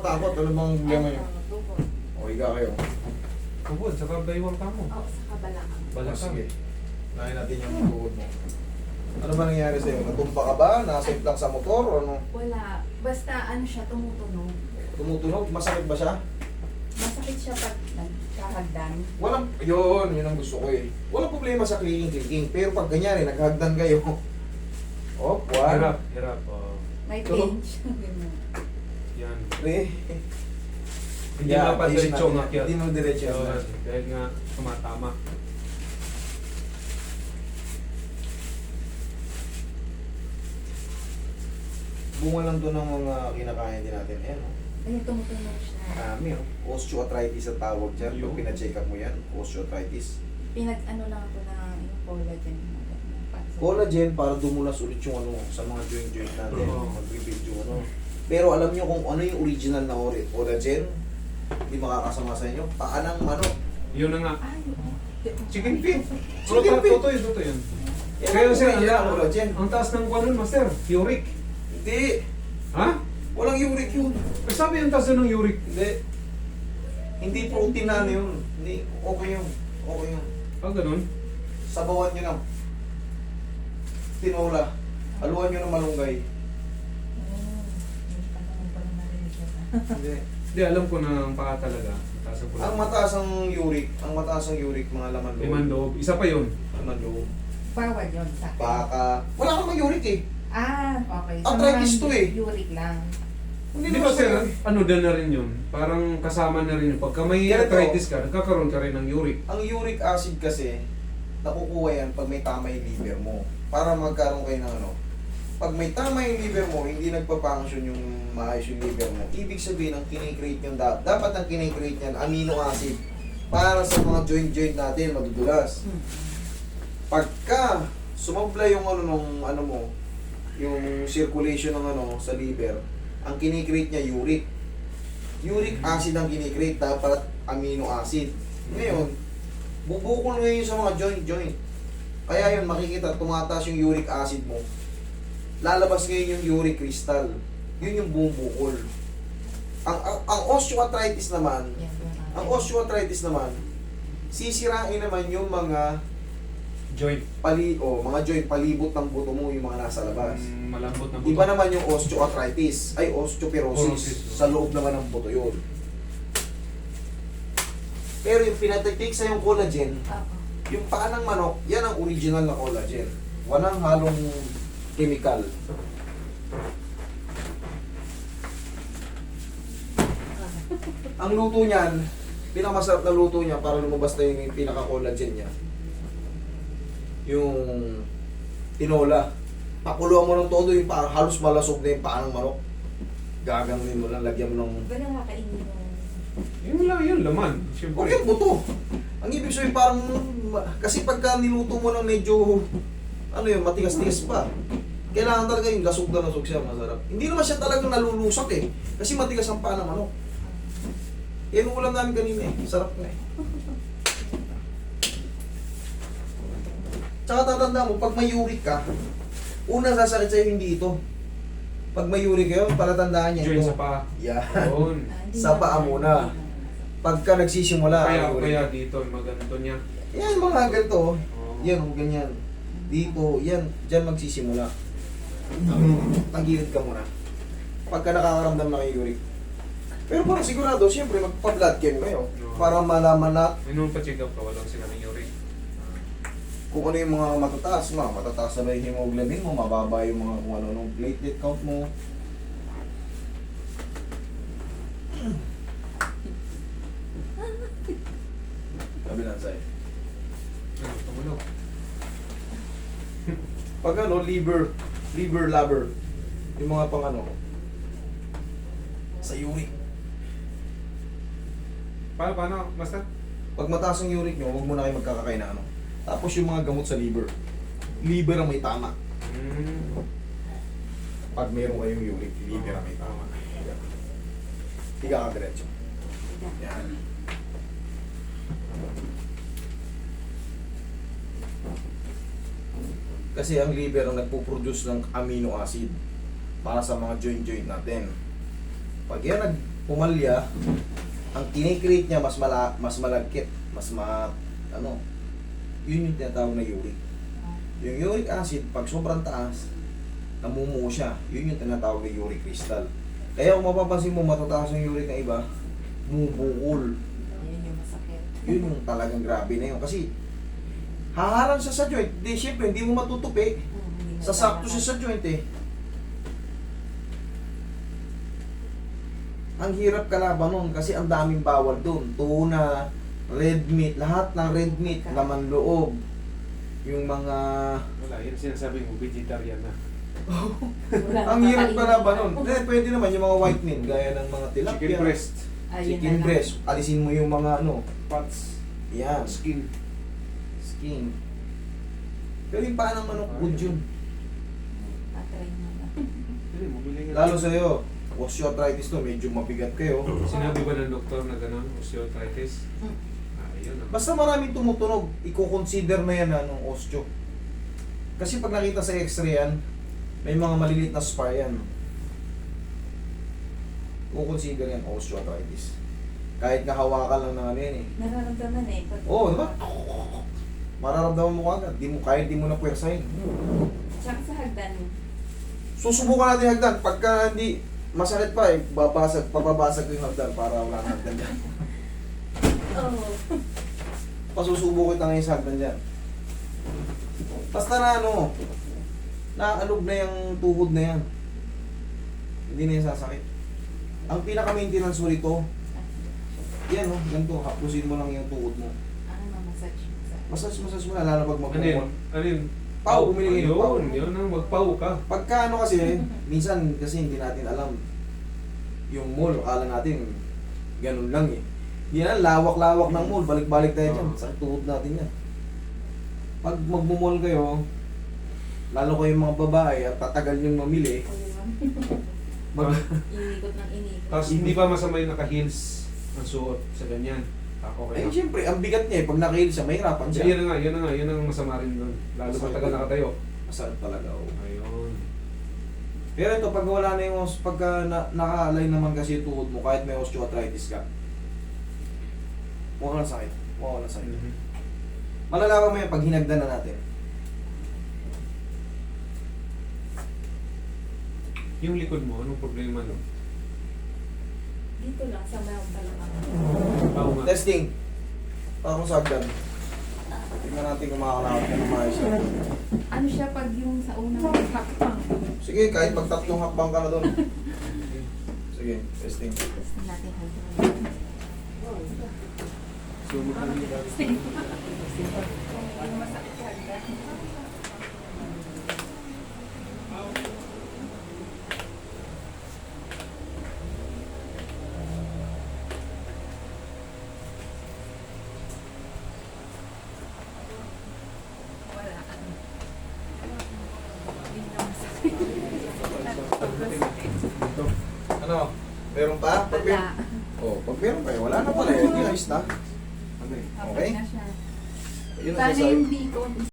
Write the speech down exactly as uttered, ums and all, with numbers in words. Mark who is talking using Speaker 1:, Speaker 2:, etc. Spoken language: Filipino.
Speaker 1: natatakot. Ano bang problema niyo?
Speaker 2: Ano, tubod.
Speaker 1: O, higa kayo.
Speaker 3: Tubod, saka baywang ka mo.
Speaker 2: Oo, sa kabalakang.
Speaker 1: O,
Speaker 3: Balakang.
Speaker 1: sige. Nahin natin yung tuhod mo. Ano ba nangyari sa'yo? Natumpa ka ba? Nasave lang sa motor? O ano?
Speaker 2: Wala. Basta ano siya, tumutunog.
Speaker 1: Tumutunog? Masakit ba siya?
Speaker 2: Masakit siya pag nagkahagdan.
Speaker 1: Walang, yun, yun ang gusto ko eh. Walang problema sa clicking-clicking. Pero pag ganyan eh, naghagdan kayo. Oh, one.
Speaker 3: Hirap, hirap. Oh.
Speaker 2: May
Speaker 1: Ito.
Speaker 2: pinch. Ganun.
Speaker 3: Yan.
Speaker 1: Three.
Speaker 3: Hindi
Speaker 1: Yeah,
Speaker 3: yeah, pa
Speaker 1: ayusin
Speaker 3: diretso
Speaker 1: natin.
Speaker 3: ng akyat.
Speaker 1: Hindi mo diretso
Speaker 3: Yun,
Speaker 1: yan.
Speaker 3: dahil nga tumatama.
Speaker 1: Bunga lang to ng mga kinakain din natin. Ayan, oh.
Speaker 2: Ayun, tumutunog siya.
Speaker 1: Marami, oh. Osteoarthritis ang tawag dyan.
Speaker 3: Yun.
Speaker 1: Pag pina-check up mo yan, osteoarthritis.
Speaker 2: Pinag-ano lang ako na yung collagen. Para sa-
Speaker 1: Collagen para dumulas ulit yung ano sa mga joint-joint natin.
Speaker 3: Oo.
Speaker 1: Mag-rebuild yung ano. Pero alam nyo kung ano yung original na ori- collagen, hindi makakasama sa inyo. Paa ng manok.
Speaker 3: Yun na nga.
Speaker 2: Ay, oo.
Speaker 3: Chicken feet.
Speaker 1: Chicken feet.
Speaker 3: Totoo yun, totoo yun.
Speaker 1: Yan
Speaker 3: Kaya
Speaker 1: ang
Speaker 3: sir,
Speaker 1: original na
Speaker 3: ang,
Speaker 1: collagen.
Speaker 3: ang taas ng kuwan nun, master. Uric.
Speaker 1: Hindi.
Speaker 3: Ha?
Speaker 1: Walang uric yun.
Speaker 3: Eh, sabi yung taas nun ng uric.
Speaker 1: Hindi. Hindi protein na ano yun. Hindi. Okay yun. Okay yun.
Speaker 3: Ah, ganun.
Speaker 1: Sabawan nyo ng tinola. Haluan nyo ng malunggay. Hindi.
Speaker 3: Hindi, alam ko na ang paa talaga. Taas ang
Speaker 1: Ang mataas ang uric, ang mataas ang uric, mga laman loob.
Speaker 3: Liman loob. Isa pa yun.
Speaker 1: Laman loob.
Speaker 2: Bawal yun sa akin.
Speaker 1: Baka. Wala namang uric eh.
Speaker 2: Ah, okay.
Speaker 1: Arthritis to eh.
Speaker 2: Uric lang.
Speaker 1: Hindi
Speaker 3: Di
Speaker 1: naman
Speaker 3: ba sir,
Speaker 1: siya.
Speaker 3: ano din na rin yun? Parang kasama na rin yun. Pagka may
Speaker 1: Ganito.
Speaker 3: arthritis ka, nagkakaroon ka rin ng uric.
Speaker 1: Ang uric acid kasi, nakukuha yan pag may tama yung liver mo. Para magkaroon kayo ng ano. Pag may tama yung liver mo, hindi nagpa-function yung maayos yung liver mo. Ibig sabihin, ang kinikreate yung dapat. Dapat ang kinikreate yan, amino acid. Para sa mga joint-joint natin, madudulas.
Speaker 2: Hmm.
Speaker 1: Pagka sumobla yung ano nung ano mo, yung circulation ng ano sa liver, ang kinikreate niya uric. Uric acid ang kinikreate, dapat amino acid. Ngayon, bubukol ngayon sa mga joint-joint. Kaya yun, makikita, tumataas yung uric acid mo. Lalabas ngayon yung uric crystal. Yun yung bumubukol. Ang, ang, ang osteoarthritis naman,
Speaker 2: Yan, yun
Speaker 1: ang osteoarthritis naman, sisirain naman yung mga
Speaker 3: Joint.
Speaker 1: pali o mga joint palibot ng buto mo, yung mga nasa labas.
Speaker 3: Mm, malambot na buto.
Speaker 1: Iba naman yung osteoarthritis, ay osteoporosis.
Speaker 3: Porosis.
Speaker 1: Sa loob naman ng buto yun. Pero yung pinatik sa yung collagen,
Speaker 2: Oo.
Speaker 1: yung paa ng manok, yan ang original na collagen. Walang halong chemical. Ang luto niyan, pinakamasarap na luto niya para lumabas na yung pinaka-collagen niya. Yung tinola. Pakuluan mo ng todo yung paa, halos malasog na yung paa ng manok. Gaganunin mo lang, lagyan mo ng...
Speaker 2: Ba nakakainin yung...
Speaker 3: Yun lang, yun laman.
Speaker 1: Huwag
Speaker 3: Siyempre.
Speaker 1: yung buto. Ang ibig sabihin parang... Kasi pagka niluto mo ng medyo... Ano yun, matigas-tigas pa. Kailangan talaga yung lasog na lasog siya, masarap. Hindi naman siya talagang nalulusak eh. Kasi matigas ang paa ng manok. Yan ang ulam namin kanina eh. Sarap na eh. Tsaka tatanda mo, pag may uric ka, una sasakit sa'yo hindi ito. Pag may uric kayo, palatandaan niya
Speaker 3: Joint
Speaker 1: ito.
Speaker 3: sa paa.
Speaker 1: Yan.
Speaker 3: Yun.
Speaker 2: Ah, hindi
Speaker 1: Sa paa
Speaker 2: na-
Speaker 1: muna. Pagka nagsisimula
Speaker 3: Kaya,
Speaker 1: ang uric.
Speaker 3: kaya dito, yung maganto niya.
Speaker 1: Yan, mga ganito. oh.
Speaker 3: Oh.
Speaker 1: Yan, oh, ganyan. Dito, yan. Diyan magsisimula. Tagilid ka muna. Pagka nakakaramdam na kayo uric. Pero parang sigurado, siyempre, magpa-blood chem kayo.
Speaker 3: No.
Speaker 1: Para malaman na
Speaker 3: May nung pa-check up ka, walang sila ng uric.
Speaker 1: kung ano yung mga matataas mo. Matataas na ba yung hemoglobin mo, mababa yung mga kung ano nung platelet count mo. Sabi lang sa'yo.
Speaker 3: Ano, tumulog.
Speaker 1: Pag ano, liver, liver lover, yung mga pang ano, sa uric.
Speaker 3: Paano, paano, master?
Speaker 1: Pag mataas ang uric nyo, huwag mo na kayo magkakakain na ano. Tapos yung mga gamot sa liver. Liver ang may tama.
Speaker 3: Mm.
Speaker 1: Pag meron kayong uric, liver ang may tama. Higa ka diretso. Yan. Kasi ang liver ang nagpo-produce ng amino acid para sa mga joint-joint natin. Pag yan nag pumalya, ang kinikreate niya mas mala, mas malagkit, mas ma, ano, yun yung tinatawag na uric. Yung uric acid, pag sobrang taas, namumuo siya. Yun yung tinatawag na uric crystal. Kaya kung mapapansin mo, matataas yung uric ng iba, bumubukol.
Speaker 2: Yun yung masakit.
Speaker 1: Yun yung talagang grabe na yun. Kasi, haharang siya sa joint. Di, syempre, hindi mo matutupi.
Speaker 2: Mm, hindi na
Speaker 1: Sasakto
Speaker 2: talaga.
Speaker 1: siya sa joint eh. Ang hirap kalaban nun kasi ang daming bawal doon. Tuna, red meat, lahat ng red meat, laman loob. Yung mga...
Speaker 3: Wala, yun sinasabi mo, vegetarian na.
Speaker 2: Wala
Speaker 1: ang
Speaker 2: nang
Speaker 1: hirap
Speaker 2: kakainin.
Speaker 1: kalaban nun. Eh, pwede naman yung mga white meat, gaya ng mga tilapia.
Speaker 3: Chicken breast,
Speaker 2: Ayun
Speaker 1: Chicken
Speaker 2: na lang.
Speaker 1: breast. Alisin mo yung mga ano.
Speaker 3: pats,
Speaker 1: Yan.
Speaker 3: skin.
Speaker 1: Skin. Pero yung paa ng manok, good yun.
Speaker 2: Tatry mo na.
Speaker 3: Hindi, bumili nga.
Speaker 1: Lalo sa'yo, osteoarthritis to, medyo mabigat kayo.
Speaker 3: Sinabi ba ng doktor na gano'n, osteoarthritis?
Speaker 2: Mm.
Speaker 3: Ah, yun. ah.
Speaker 1: Basta maraming tumutunog, i-consider na yan anong osteo. Kasi pag nakita sa x-ray yan, may mga maliliit na spar yan. I-consider yan osteoarthritis. Kahit nahawakan lang ng ano yan eh.
Speaker 2: Nararamdaman eh. Pag,
Speaker 1: Oo, di ba? Mararamdaman mo agad. Di mo, kahit di mo na puwersahin.
Speaker 2: Tsaka sa hagdan.
Speaker 1: Susubukan natin yung hagdan. Pagka hindi masakit pa eh, babasag, papabasag ko yung hagdan para wala na hagdan dyan.
Speaker 2: Oo.
Speaker 1: Pasusubo kita ngayon sa hagdan dyan. Basta na ano, naalog na yung tuhod na yan. Hindi na yung sasakit. Ang pinaka-maintenance mo rito, yan oh, ganito, hapusin mo lang yung tuhod mo.
Speaker 2: Ano na massage mo sa...
Speaker 1: Massage, massage mo na, lalo pag
Speaker 3: Ano yun?
Speaker 1: magpumol.
Speaker 3: Ano yun?
Speaker 1: Pau, bumili ng pau.
Speaker 3: Yun, yun ang magpau ka.
Speaker 1: Pagka ano kasi, minsan kasi hindi natin alam yung mall, akala natin ganun lang eh. Hindi na, lawak-lawak ng mall, balik-balik tayo dyan,
Speaker 3: Oo.
Speaker 1: sa tuhod natin yan. Pag magmumall kayo, lalo kayong mga babae at tatagal yung mamili, mag
Speaker 2: Inikot ng inikot.
Speaker 3: Tapos hindi pa masama yung naka-heels ang suot sa ganyan. Ako
Speaker 1: eh
Speaker 3: kaya.
Speaker 1: siyempre, ang bigat niya eh, pag nakahil siya, mahirapan
Speaker 3: So,
Speaker 1: siya.
Speaker 3: yun na nga, yun na nga, yun ang masama rin doon. Lalo
Speaker 1: Masakit
Speaker 3: matagal
Speaker 1: yun.
Speaker 3: nakatayo.
Speaker 1: Masarap talaga, oh.
Speaker 3: Ayun.
Speaker 1: Pero ito, pag wala na yung, pagka na, naka-align naman kasi yung tuhod mo, kahit may osteoarthritis ka, mukha na sakit. Mukha na sakit.
Speaker 3: Mhm.
Speaker 1: Malalaman mo yan pag hinagdan na natin.
Speaker 3: Yung likod mo, anong problema no?
Speaker 2: Dito lang sa mayroong palamang.
Speaker 3: Pau nga.
Speaker 1: Testing. Para kung sagdan. Tingnan natin kung makakalakad ka ng maayos.
Speaker 2: Ano siya pag yung sa unang hakbang?
Speaker 1: Sige, kahit pag tatlong hakbang ka na doon. Sige, testing.
Speaker 2: Gusto natin hagdan.
Speaker 3: So, magkano
Speaker 2: Ano masakit sa hagdan? Wala. Hindi na masakit.
Speaker 3: Ito.
Speaker 1: Ano? Meron pa? Pag
Speaker 2: Wala.
Speaker 1: Oh, pag meron pa eh, wala na pala eh. Hindi ayos na.
Speaker 3: Ano eh?
Speaker 1: Okay.
Speaker 2: na siya.
Speaker 1: Yun ang
Speaker 2: Sana
Speaker 1: sasabi.
Speaker 2: hindi ko